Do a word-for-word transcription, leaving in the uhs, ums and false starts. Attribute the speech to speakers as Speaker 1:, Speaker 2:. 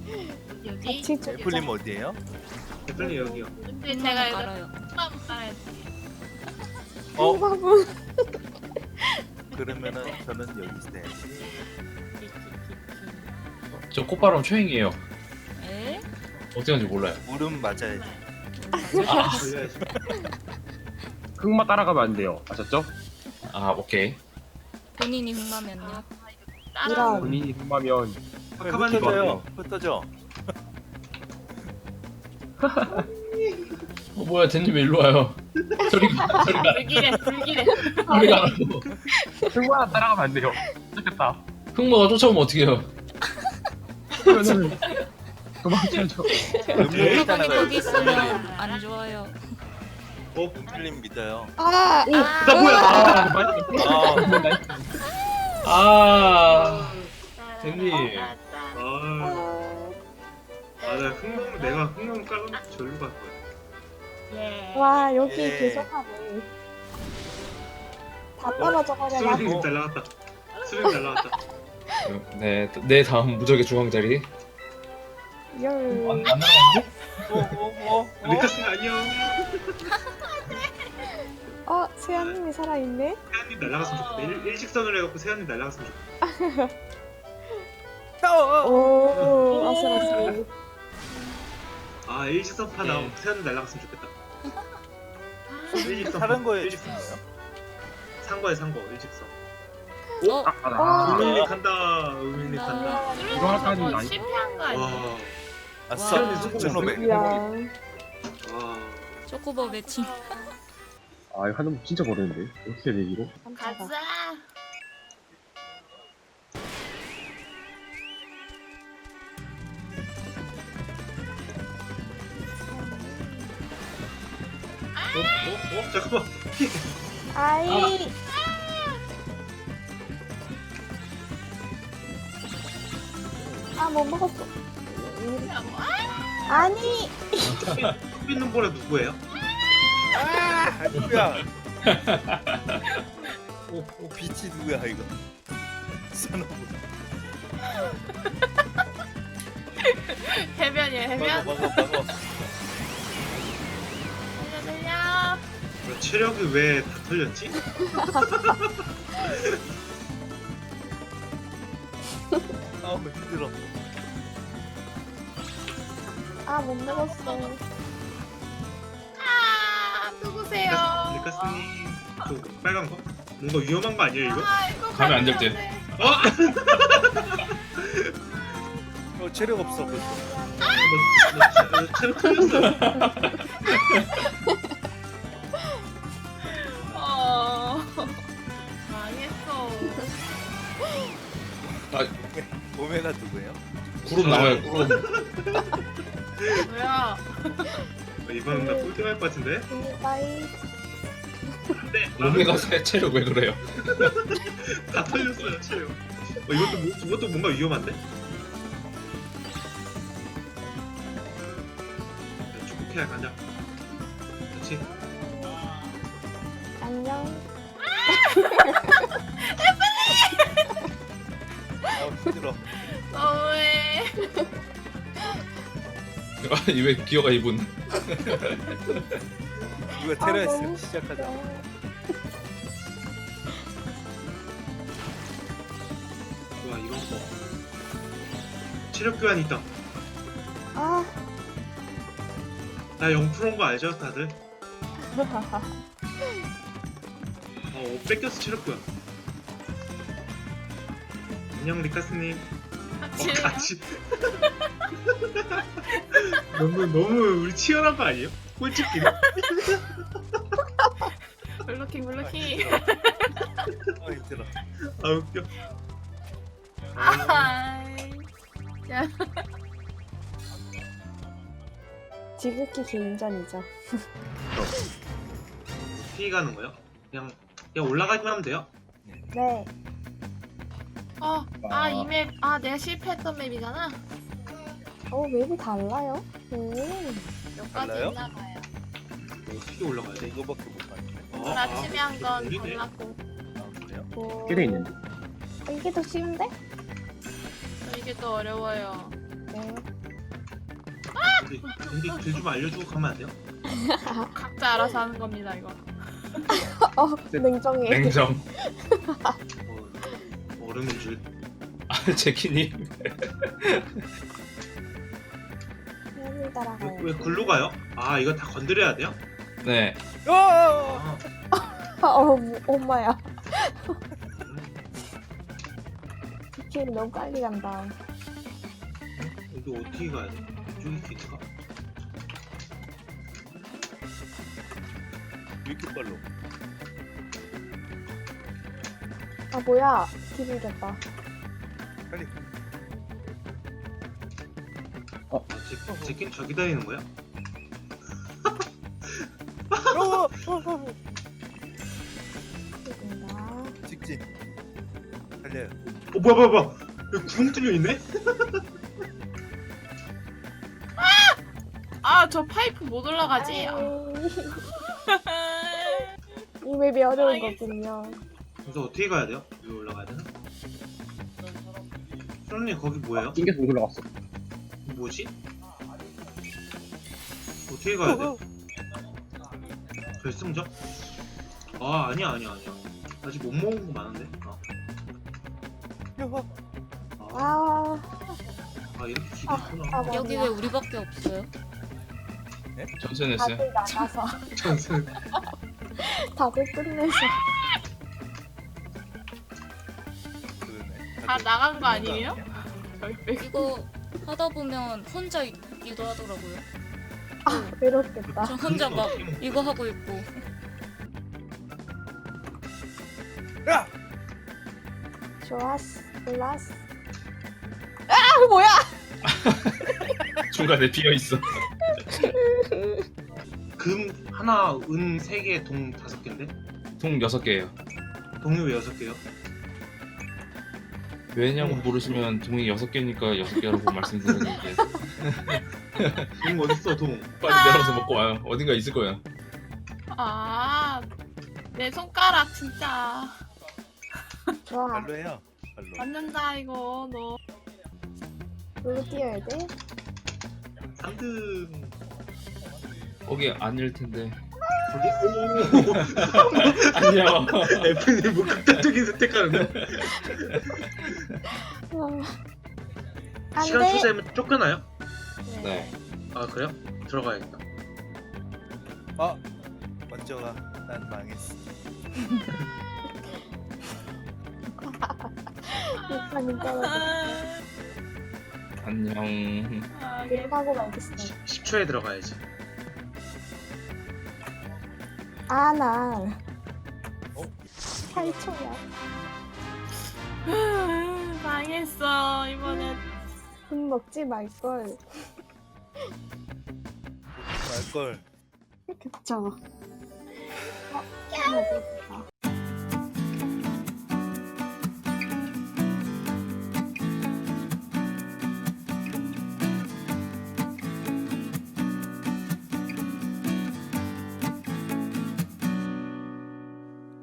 Speaker 1: 여기?
Speaker 2: 같이 좀
Speaker 3: 애플님 어디에요?
Speaker 4: 애플님 여기요.
Speaker 1: 근데 제가 이거
Speaker 5: 알아요.
Speaker 1: 흑마무 깔아야지.
Speaker 3: 어?
Speaker 2: 흑마무.
Speaker 3: 그러면은 저는 여기 있어야지.
Speaker 6: 저 꽃바람 초행이에요.
Speaker 5: 에?
Speaker 6: 어떻게 하는지 몰라요.
Speaker 3: 물음 맞아야지.
Speaker 4: 걸려야지.
Speaker 7: 흑마 따라가면 안 돼요. 아셨죠?
Speaker 6: 아 오케이.
Speaker 5: 본인이 흑마면요?
Speaker 1: 따라.
Speaker 2: 이런.
Speaker 7: 본인이 흑마면
Speaker 3: 왜
Speaker 4: 가만히
Speaker 3: 흩어져요? 흩어져.
Speaker 6: 어 뭐야 댄님 왜 일로 와요? 소리가 소리가
Speaker 1: 불길해 불길해.
Speaker 6: 소리가 안 나고.
Speaker 7: 흑마 따라가면 안 돼요. 좋겠다.
Speaker 6: 흑마가 쫓아오면 어떡해요?
Speaker 7: 그러면은 도망쳐야죠.
Speaker 3: 음률
Speaker 5: 물건이
Speaker 3: 따라가요.
Speaker 5: 거기 있으면 안 좋아요.
Speaker 4: 어?
Speaker 3: 음률님 믿어요.
Speaker 2: 아,
Speaker 4: 나 뭐야?
Speaker 7: 아,
Speaker 3: 아,
Speaker 6: 아 댄님.
Speaker 4: 아,
Speaker 2: 아.
Speaker 4: 아, 나 흑룡 내가 흑룡 깔면 절로 갈 거야.
Speaker 1: 예.
Speaker 2: 와, 여기
Speaker 3: 예.
Speaker 2: 계속하네. 다 떨어져 버려라.
Speaker 4: 수령님 날라갔다. 수령 날라갔다.
Speaker 6: 네, 내 다음 무적의 중앙 자리.
Speaker 2: 열.
Speaker 6: 안 나가는데?
Speaker 3: 어, 어, 어, 어.
Speaker 4: 리카스님 안녕.
Speaker 2: 어, 세연님이 살아있네?
Speaker 4: 세연님 날라갔으면 좋겠다. 일, 일직선으로 해갖고 세연님 날라갔으면 좋겠다.
Speaker 3: 어, 어.
Speaker 2: 오, 아슬아슬.
Speaker 4: 아, 일직선파 나오면 세연님 날라갔으면 좋겠다. 일직선.
Speaker 3: 다른 거에
Speaker 4: 일직선. 상거에 상거 일직선.
Speaker 5: 어?
Speaker 7: 아, 나.
Speaker 4: 우밀리 간다. 우밀리 간다.
Speaker 7: 이거 할까
Speaker 1: 저거
Speaker 7: 아니?
Speaker 1: 실패한 거 아니야?
Speaker 4: 와,
Speaker 3: 아싸,
Speaker 5: 와.
Speaker 3: 숙주노백.
Speaker 2: 이야.
Speaker 4: 와.
Speaker 5: 초코버 매칭.
Speaker 7: 아, 이거 하는 거 진짜 모르는데. 어떻게 해야 돼, 이거?
Speaker 2: 깜짝아.
Speaker 1: 가자.
Speaker 4: 어? 어? 어? 잠깐만.
Speaker 2: 아이. 아, 못 먹었어. 아니.
Speaker 4: 속 있는 보라 누구예요?
Speaker 3: 아, 누구야? 오, 오, 빛이 누구야 이거? 선호부.
Speaker 1: 해변이야 해변.
Speaker 3: 막어, 막어, 막어.
Speaker 1: 달려 달려.
Speaker 4: 뭐야, 체력이 왜 다 털렸지?
Speaker 3: 아, 힘들어.
Speaker 2: 아, 못 먹었어.
Speaker 1: 아 누구세요?
Speaker 4: 리카스님 저 빨간 거? 뭔가 위험한 거 아니에요 이거?
Speaker 1: 아 이거
Speaker 6: 가면 안 될 듯.
Speaker 4: 어?
Speaker 3: 어, 체력 없어 벌써.
Speaker 4: 나, 나, 나 체력 털렸어.
Speaker 1: 어. 망했어.
Speaker 3: 오메가 누구예요?
Speaker 6: 구름 나와요 구름.
Speaker 1: 뭐야?
Speaker 4: 이번엔 나 꼴등 할것 같은데?
Speaker 2: 바이.
Speaker 4: 안돼.
Speaker 6: 오메가 세 체력 왜 그래요?
Speaker 4: 다 털렸어요 체력. 어, 이것도 뭐- 이것도 뭔가 위험한데? 축구케어 가자. 그렇지.
Speaker 2: 안녕.
Speaker 3: 아, 힘들어.
Speaker 1: 너무해.
Speaker 6: 아니 왜 기어가 이분?
Speaker 3: 누가
Speaker 2: 아,
Speaker 3: 테러했어?
Speaker 2: 너무
Speaker 3: 시작하자.
Speaker 4: 와 이런 거. 체력 교환 있다.
Speaker 2: 아.
Speaker 4: 나 영 퍼센트인 거 알죠 다들? 어 뺏겼어 체력 교환. 안녕 리카스님. 어
Speaker 1: 같이.
Speaker 4: 같이. 너무 너무 우리 치열한 거 아니에요? 꼴찌끼리.
Speaker 1: 블로킹 블로킹.
Speaker 3: 아, 힘들어.
Speaker 4: 아 웃겨.
Speaker 1: 아이. 야.
Speaker 2: 지극히 개인전이죠.
Speaker 4: 피해 가는 거요? 그냥 그냥 올라가기만 하면 돼요?
Speaker 2: 네.
Speaker 1: 어. 아 이 맵. 아 내가 실패했던 맵이잖아.
Speaker 2: 어, 맵이 달라요? 오.
Speaker 1: 몇 가지
Speaker 3: 달라요?
Speaker 1: 있나 봐요.
Speaker 4: 어떻게 올라가야 돼?
Speaker 3: 이거밖에 못 봤네.
Speaker 4: 어,
Speaker 1: 오늘 아침에 한 건
Speaker 4: 모르네.
Speaker 1: 골랐고.
Speaker 3: 아, 그래요?
Speaker 2: 오.
Speaker 7: 꽤 돼 있는데.
Speaker 2: 이게 더 쉬운데?
Speaker 1: 이게 더 어려워요.
Speaker 2: 네.
Speaker 4: 길 좀 알려주고 가면 안 돼요?
Speaker 1: 각자 알아서 하는 겁니다 이거.
Speaker 2: 어, 냉정해.
Speaker 6: 냉정.
Speaker 4: 어, 얼음인 줄.
Speaker 6: 아 제키님.
Speaker 2: 뱀이
Speaker 4: 왜,
Speaker 2: 따라가요.
Speaker 4: 왜 글로 가요? 아 이거 다 건드려야 돼요?
Speaker 6: 네.
Speaker 3: 어!
Speaker 4: 아,
Speaker 2: 어, 뭐, 엄마야. 길 너무 빨리 간다.
Speaker 4: 여기 어떻게 가야 돼? 이쪽이 길인가?
Speaker 3: 왜 이렇게 빨라?
Speaker 2: 아, 뭐야. 길 잃었다.
Speaker 3: 빨리.
Speaker 4: 아, 제, 제끼는 저 기다리는 거야?
Speaker 3: 어! 어! 어!
Speaker 2: 여기다.
Speaker 3: 직진. 달려요.
Speaker 4: 어 뭐야 뭐야 뭐야 여기 구멍 뚫려 있네?
Speaker 1: 아 저 파이프 못 올라가지. 아.
Speaker 2: 이 맵이 어려운
Speaker 1: 알겠어.
Speaker 2: 거군요.
Speaker 4: 그래서 어떻게 가야 돼요? 여기 올라가야 되나? 수련님 거기 뭐예요?
Speaker 7: 낑겨서 못 올라갔어.
Speaker 4: 뭐지? 어떻게 가야 돼? 결승전? 아 아니야 아니야 아니야 아직 못 먹은 거 많은데? 아, 아,
Speaker 2: 아,
Speaker 4: 아 이렇게 길이
Speaker 2: 아,
Speaker 4: 있구나
Speaker 2: 아, 맞네.
Speaker 5: 여기 왜 우리밖에 없어요?
Speaker 6: 전선했어요.
Speaker 2: 다들 나가서.
Speaker 4: 전승
Speaker 2: 다들 끝내서.
Speaker 3: 그러네.
Speaker 1: 다 나간 거 아니에요? 저희 빼고.
Speaker 5: 이거 하다 보면 혼자 있기도 하더라고요.
Speaker 2: 아, 외롭겠다.
Speaker 5: 저 혼자 막 이거 하고 있고.
Speaker 3: 야!
Speaker 2: 좋았어. 올랐어. 아, 뭐야!
Speaker 6: 중간에 비어 있어.
Speaker 4: 금 하나 은 세 개 동 다섯 개인데?
Speaker 6: 통 여섯 개예요.
Speaker 4: 동이 왜 여섯 개요?
Speaker 6: 왜냐고 물으시면 동이 여섯 개니까 여섯 개라고 말씀드렸는데
Speaker 4: 동 어딨어 동
Speaker 6: 빨리 내려서 먹고 와요. 어딘가 있을 거야.
Speaker 1: 아, 내 손가락 진짜
Speaker 2: 좋아.
Speaker 3: 발로 해요. 발로.
Speaker 1: 맞는다 이거 너.
Speaker 2: 여기 뛰어야 돼?
Speaker 4: 삼 등
Speaker 6: 거기 아닐 텐데.
Speaker 4: 거기 오
Speaker 6: 안녕.
Speaker 4: 에프님 뭐 극단적인 선택하는데
Speaker 2: 어. 안
Speaker 4: 시간
Speaker 2: 돼!
Speaker 4: 투자하면 쫓겨나요?
Speaker 6: 네.
Speaker 4: 아 그래요? 들어가야겠다
Speaker 3: 어! 먼저 가. 난 망했어.
Speaker 2: 이판이 떨어져.
Speaker 1: 아,
Speaker 6: 안녕.
Speaker 1: 아,
Speaker 2: 들어가고 말겠어.
Speaker 4: 십 초에 들어가야지
Speaker 2: 아, 나.
Speaker 3: 어?
Speaker 2: 팔 초야.
Speaker 1: 아, 망했어 이번엔.
Speaker 2: 금 먹지 말걸.
Speaker 3: 말걸.
Speaker 2: 그쵸. 어, 하나 더 있다.